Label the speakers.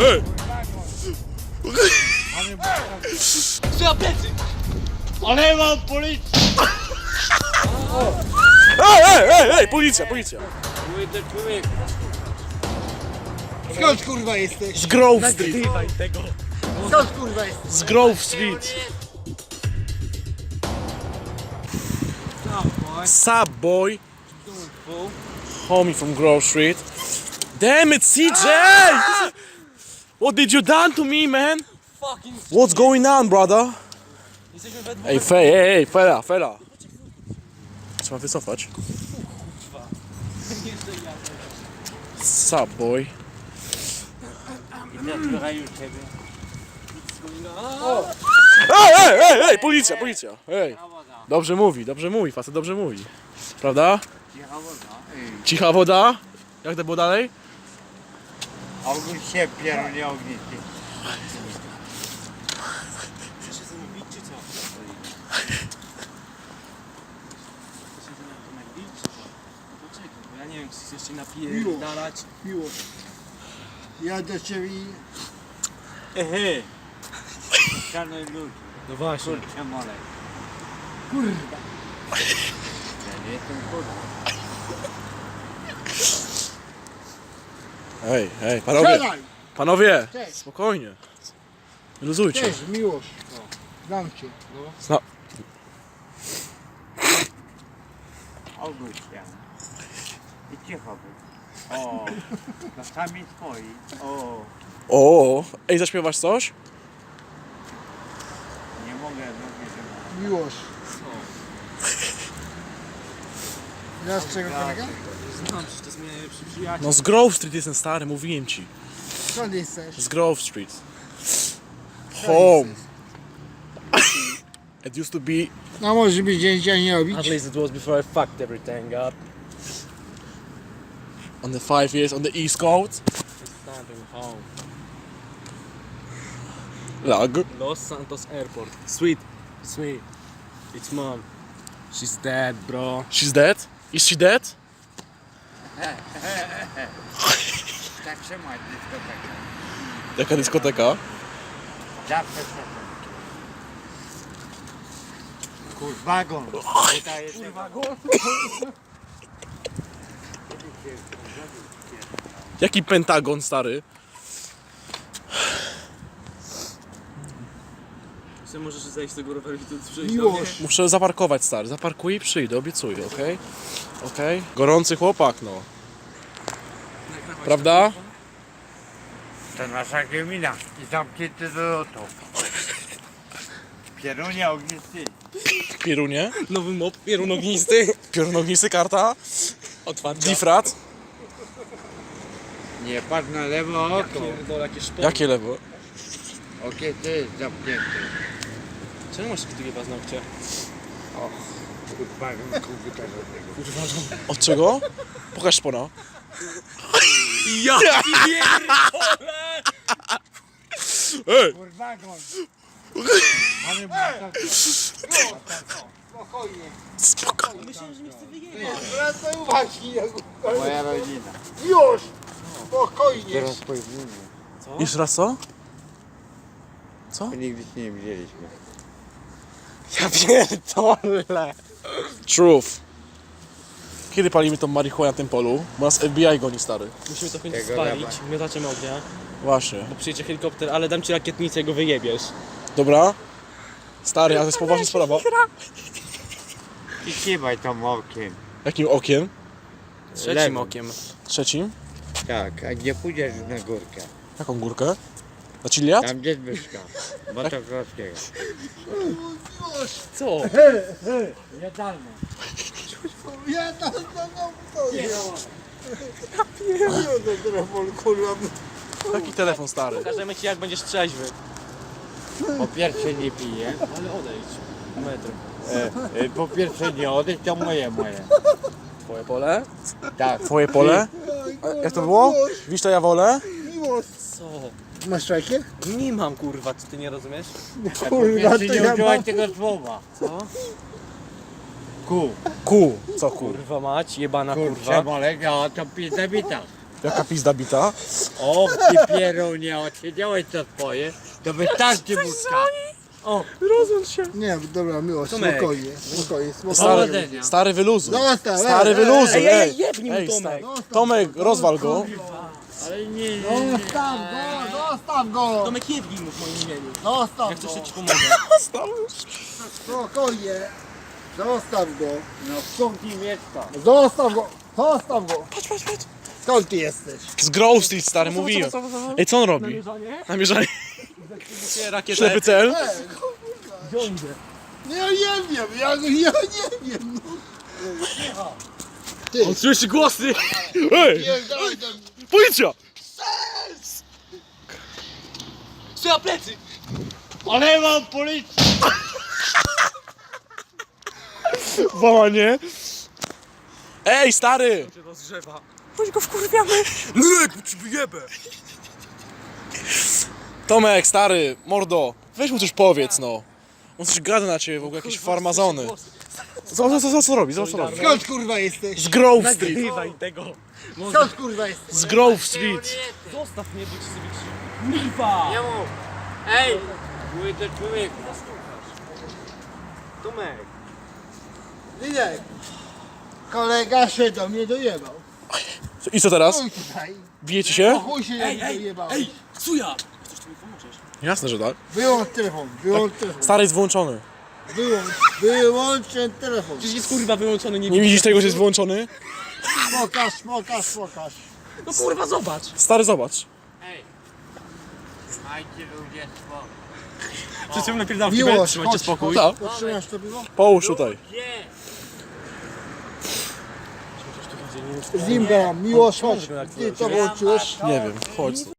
Speaker 1: Ej!
Speaker 2: Co plecy? Ale mam policję!
Speaker 1: Ej, policja!
Speaker 2: Młody człowiek.
Speaker 3: Skąd kurwa jesteś?
Speaker 1: Z Grove Street!
Speaker 3: Skąd kurwa jesteś?
Speaker 1: Z Grove Street! Sup, boy? Homie from Grove Street. Damn it, CJ! What did you done to me, man?
Speaker 2: Fucking
Speaker 1: What's going on, brother?
Speaker 2: jesteśmy we dwóch.
Speaker 1: Ej, fela. Trzeba wycofać. Sup, boy?
Speaker 2: Zabierają ciebie.
Speaker 1: Ej, policja! Ej. Dobrze mówi, facet dobrze mówi. Prawda? Cicha woda? Jak to było dalej?
Speaker 4: Ogólnie się pierunie ognisty.
Speaker 2: Chcesz się ze mną bić, czy co? Chcesz się ze mną bić, czy co? No poczekaj, bo ja nie wiem, czy chcesz się napierdalać.
Speaker 3: Miło. Ja do ciebie...
Speaker 4: Ehe. Szanuj ludzi.
Speaker 2: No właśnie.
Speaker 4: Kurczę molej.
Speaker 3: Kurwa.
Speaker 4: Ja nie jestem kurwa.
Speaker 1: Ej, panowie!
Speaker 3: Strzelaj!
Speaker 1: Panowie!
Speaker 3: Cześć.
Speaker 1: Spokojnie. Luzujcie.
Speaker 3: Cześć, Miłosz. Znam cię.
Speaker 4: Ogólnie się. I cicho był. O. To sami swoi. O.
Speaker 1: O, ej, zaśpiewasz coś?
Speaker 4: Nie mogę, że
Speaker 3: Miłosz. Znasz czego kolega?
Speaker 2: Znam, przecież to jest mój najlepszy przyjaciel.
Speaker 1: No z Grove Street jestem stary, mówiłem ci.
Speaker 3: Skąd jesteś?
Speaker 1: Z Grove Street. Home. It used to be...
Speaker 3: No może być dzień nie robić.
Speaker 2: At least it was before I fucked everything up.
Speaker 1: On the 5 years on the East Coast.
Speaker 2: It's starting home.
Speaker 1: Lag.
Speaker 2: Los Santos Airport. Sweet. It's mom. She's dead, bro.
Speaker 1: She's dead? Is she dead?
Speaker 4: tak trzymać dyskotekę.
Speaker 1: Jaka dyskoteka?
Speaker 4: Zawsze trzeba. Kurwagon. Kurwagon.
Speaker 1: Jaki Pentagon, stary?
Speaker 2: Czy możesz zejść z tego roweru i tu przyjść?
Speaker 3: Miłosz.
Speaker 1: Muszę zaparkować, stary. Zaparkuję i przyjdę, obiecuję, okej? Okej? Gorący chłopak, no. Prawda?
Speaker 4: To nasza gmina. I zamknięty do lotu. Pierunie ognisty.
Speaker 1: Pierunie?
Speaker 2: Nowy mop, pierun ognisty.
Speaker 1: Piorunognisty karta?
Speaker 2: Otwarcia.
Speaker 1: Difrat?
Speaker 4: Nie patrz na lewo oko.
Speaker 2: Pierdolę, jakie szpony.
Speaker 1: Jakie lewo?
Speaker 4: Okie to jest zamknięte.
Speaker 2: Czemu masz takie paznokcie?
Speaker 4: Kurwagon komputerowego.
Speaker 1: Od czego? Pokaż szpona.
Speaker 2: Ja
Speaker 1: Ej!
Speaker 4: Kurwagon. Mamy
Speaker 3: Spokojnie.
Speaker 1: Spokojnie.
Speaker 2: Myślałem, że mnie chce wyjechać.
Speaker 3: Wracaj uwagi.
Speaker 4: moja rodzina.
Speaker 3: Już. Spokojnie.
Speaker 4: Teraz pojedziemy.
Speaker 1: Jeszcze raz co? Co?
Speaker 4: Nigdy się nie widzieliśmy.
Speaker 2: Ja pierdolę.
Speaker 1: Truth. Kiedy palimy tą marihuanę na tym polu? Bo nas FBI goni, stary.
Speaker 2: Musimy to w końcu
Speaker 4: Tego
Speaker 2: spalić,
Speaker 4: dawaj.
Speaker 2: miotaczem ognia.
Speaker 1: Właśnie.
Speaker 2: Bo przyjedzie helikopter, ale dam ci rakietnicę i go wyjebiesz.
Speaker 1: Dobra? Stary, a to jest poważna sprawa.
Speaker 4: I kiwaj tam okiem.
Speaker 1: Jakim okiem?
Speaker 2: Trzecim
Speaker 4: Lewym.
Speaker 2: okiem.
Speaker 1: Trzecim?
Speaker 4: Tak, a gdzie pójdziesz na górkę?
Speaker 1: Jaką górkę? Na Chiliad?
Speaker 4: Tam gdzie Zbyszka. Motocrosskiego.
Speaker 2: Co?
Speaker 4: Jadalne.
Speaker 3: Ja tam stoję. Ja do telefon, kurwa.
Speaker 1: Jaki telefon, stary?
Speaker 2: Pokażemy ci jak będziesz trzeźwy.
Speaker 4: Po pierwsze nie piję.
Speaker 2: Ale odejdź. Metr.
Speaker 4: Po pierwsze nie odejdź, to moje.
Speaker 2: Twoje pole?
Speaker 4: Tak.
Speaker 1: Twoje pole? A jak to było? Wisz to ja wolę?
Speaker 3: Miłosz.
Speaker 2: Co?
Speaker 3: Masz szajkę?
Speaker 2: Nie mam kurwa, czy ty nie rozumiesz?
Speaker 4: Po
Speaker 3: Kurwa,
Speaker 4: pierwsze
Speaker 3: to
Speaker 4: nie
Speaker 3: ja
Speaker 4: używaj
Speaker 3: mam.
Speaker 4: tego słowa.
Speaker 2: Co?
Speaker 4: Ku.
Speaker 1: Ku. Co ku?
Speaker 2: Kurwa mać, jebana
Speaker 4: Kurczę,
Speaker 2: kurwa.
Speaker 4: molega, a to pizza bita.
Speaker 1: Jaka pizda bita.
Speaker 4: O, ty pierunie, odsiedziałeś to swoje, to wystarczy wódka. O,
Speaker 1: Rozłącz się.
Speaker 3: Nie, dobra, miłość,
Speaker 2: Tomek.
Speaker 3: spokojnie, spokojnie, spokojnie.
Speaker 4: Powodzenia.
Speaker 1: Stary wyluzuj.
Speaker 3: Zostaw,
Speaker 1: Stary wyluzuj.
Speaker 2: Ej, jebnij mu Tomek.
Speaker 1: Tomek, rozwal go.
Speaker 4: ale nie.
Speaker 3: Zostaw go, zostaw go!
Speaker 2: Tomek, jebnij mu w moim imieniu.
Speaker 3: Zostaw
Speaker 2: Jak coś
Speaker 3: go,
Speaker 2: to ci pomogę.
Speaker 3: spokojnie. Zostaw go,
Speaker 4: No skąd im jest to?
Speaker 3: zostaw go, zostaw go.
Speaker 1: Patrz, patrz, patrz.
Speaker 3: Skąd ty jesteś?
Speaker 1: Z Grove Street, stary, mówiłem. Ej, co on robi?
Speaker 2: Namierzanie?
Speaker 1: Namierzanie.
Speaker 2: Rakietę.
Speaker 1: Ślepy cel.
Speaker 3: No ja nie wiem, ja nie wiem. No. Ty,
Speaker 1: On słyszy głosy. Ej,
Speaker 3: pierdolę do mnie.
Speaker 1: policja.
Speaker 2: Strzela plecy!
Speaker 4: Ale mam policję!
Speaker 1: Wołanie. Ej, stary.
Speaker 2: Cię rozgrzewa.
Speaker 1: Chodź go wkurwiamy. Lek, ci wyjebę. Tomek, stary, mordo. Weź mu coś powiedz, no. On coś gada na ciebie, w ogóle jakieś farmazony. Co robi? Co robi?
Speaker 3: Skąd kurwa jesteś?
Speaker 1: Z Grove Street.
Speaker 2: Nagrywaj tego.
Speaker 3: Skąd kurwa jesteś?
Speaker 1: Z Grove Street.
Speaker 2: Zostaw mnie, bo ci sobie krzywdę. Liwa!
Speaker 4: Nie mów! Ej! Mój to człowieku!
Speaker 2: Tomek.
Speaker 3: Linek, kolega się do mnie dojebał.
Speaker 1: I co teraz?
Speaker 3: Chuj tutaj.
Speaker 1: Bijecie
Speaker 3: O
Speaker 1: się?
Speaker 3: chuj się
Speaker 2: Ej,
Speaker 3: do mnie
Speaker 2: ej,
Speaker 3: dojebał.
Speaker 2: ej! Ksuja! Chcesz tu mi pomożesz?
Speaker 1: Jasne, że tak.
Speaker 3: Wyłącz telefon, wyłącz telefon.
Speaker 1: Stary jest włączony.
Speaker 3: Wyłącz ten telefon.
Speaker 2: Przecież jest kurwa wyłączony, nie
Speaker 1: Nie widzisz tego, że jest włączony?
Speaker 3: Pokaż.
Speaker 2: No kurwa, zobacz!
Speaker 1: Stary, zobacz.
Speaker 4: Ej! Majcie ludzie spokój!
Speaker 2: Wszyscy napierdam w kibel,
Speaker 3: Miłość,
Speaker 2: trzymajcie
Speaker 3: chodź,
Speaker 2: spokój.
Speaker 1: Tak.
Speaker 3: Potrzymasz to piwo?
Speaker 1: Połóż tutaj.
Speaker 4: Gdzie?
Speaker 3: Z nim gadam, miłość, chodź. Ty to włączyłeś?
Speaker 1: Nie wiem, chodź.